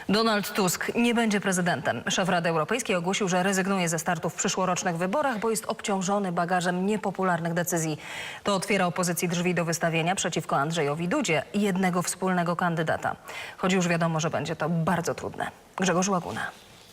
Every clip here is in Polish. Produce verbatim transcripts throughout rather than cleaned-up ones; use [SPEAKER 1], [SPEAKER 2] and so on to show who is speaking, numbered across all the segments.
[SPEAKER 1] Donald Tusk nie będzie prezydentem. Szef Rady Europejskiej ogłosił, że rezygnuje ze startu w przyszłorocznych wyborach, bo jest obciążony bagażem niepopularnych decyzji. To otwiera opozycji drzwi do wystawienia przeciwko Andrzejowi Dudzie jednego wspólnego kandydata. Choć już wiadomo, że będzie to bardzo trudne. Grzegorz Łaguna.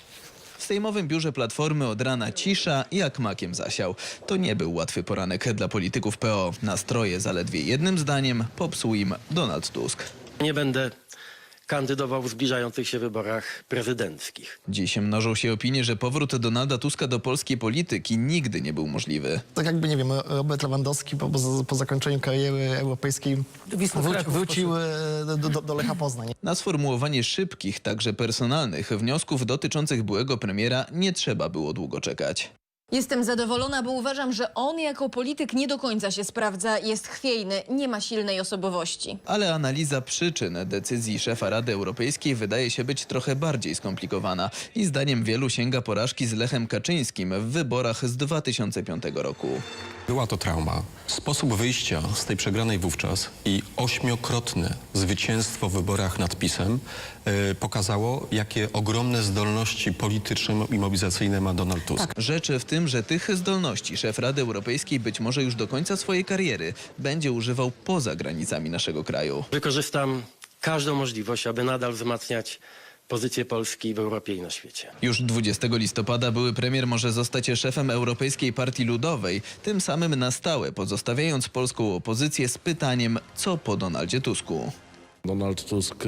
[SPEAKER 2] W sejmowym biurze Platformy od rana cisza jak makiem zasiał. To nie był łatwy poranek dla polityków P O. Nastroje zaledwie jednym zdaniem popsuł im Donald Tusk.
[SPEAKER 3] Nie będę kandydował w zbliżających się wyborach prezydenckich.
[SPEAKER 2] Dziś mnożą się opinie, że powrót Donalda Tuska do polskiej polityki nigdy nie był możliwy.
[SPEAKER 4] Tak jakby, nie wiem, Robert Lewandowski po, po, po zakończeniu kariery europejskiej wró- wrócił do, do, do Lecha Poznań.
[SPEAKER 2] Na sformułowanie szybkich, także personalnych wniosków dotyczących byłego premiera nie trzeba było długo czekać.
[SPEAKER 5] Jestem zadowolona, bo uważam, że on jako polityk nie do końca się sprawdza, jest chwiejny, nie ma silnej osobowości.
[SPEAKER 2] Ale analiza przyczyn decyzji szefa Rady Europejskiej wydaje się być trochę bardziej skomplikowana i zdaniem wielu sięga porażki z Lechem Kaczyńskim w wyborach z dwa tysiące piątego roku.
[SPEAKER 6] Była to trauma. Sposób wyjścia z tej przegranej wówczas i ośmiokrotne zwycięstwo w wyborach nad PiS-em yy, pokazało, jakie ogromne zdolności polityczne i mobilizacyjne ma Donald Tusk.
[SPEAKER 2] Tak. Rzeczy w tym, że tych zdolności szef Rady Europejskiej być może już do końca swojej kariery będzie używał poza granicami naszego kraju.
[SPEAKER 3] Wykorzystam każdą możliwość, aby nadal wzmacniać pozycję Polski w Europie i na świecie.
[SPEAKER 2] Już dwudziestego listopada były premier może zostać szefem Europejskiej Partii Ludowej, tym samym na stałe pozostawiając polską opozycję z pytaniem, co po Donaldzie Tusku.
[SPEAKER 7] Donald Tusk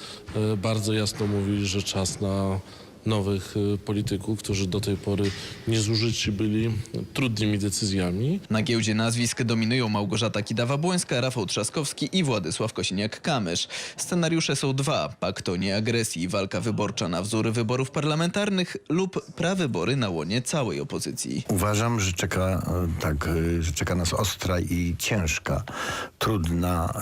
[SPEAKER 7] e, bardzo jasno mówi, że czas na nowych e, polityków, którzy do tej pory niezużyci byli trudnymi decyzjami.
[SPEAKER 2] Na giełdzie nazwisk dominują Małgorzata Kidawa-Błońska, Rafał Trzaskowski i Władysław Kosiniak-Kamysz. Scenariusze są dwa. Pakt o nieagresji, walka wyborcza na wzór wyborów parlamentarnych lub prawybory na łonie całej opozycji.
[SPEAKER 8] Uważam, że czeka, tak, że czeka nas ostra i ciężka, trudna,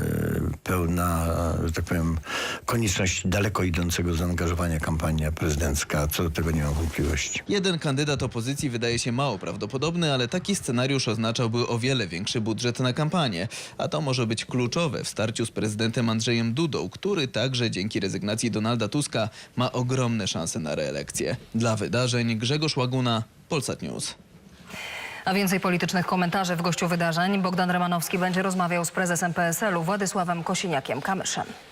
[SPEAKER 8] e, pełna, że tak powiem, konieczność daleko idącego zaangażowania kampania prezydencka. Co do tego nie mam wątpliwości.
[SPEAKER 2] Jeden kandydat opozycji wydaje się mało prawdopodobny, ale taki scenariusz oznaczałby o wiele większy budżet na kampanię. A to może być kluczowe w starciu z prezydentem Andrzejem Dudą, który także dzięki rezygnacji Donalda Tuska ma ogromne szanse na reelekcję. Dla wydarzeń Grzegorz Łaguna, Polsat News.
[SPEAKER 1] A więcej politycznych komentarzy w gościu wydarzeń. Bogdan Rymanowski będzie rozmawiał z prezesem P S L u Władysławem Kosiniakiem-Kamyszem.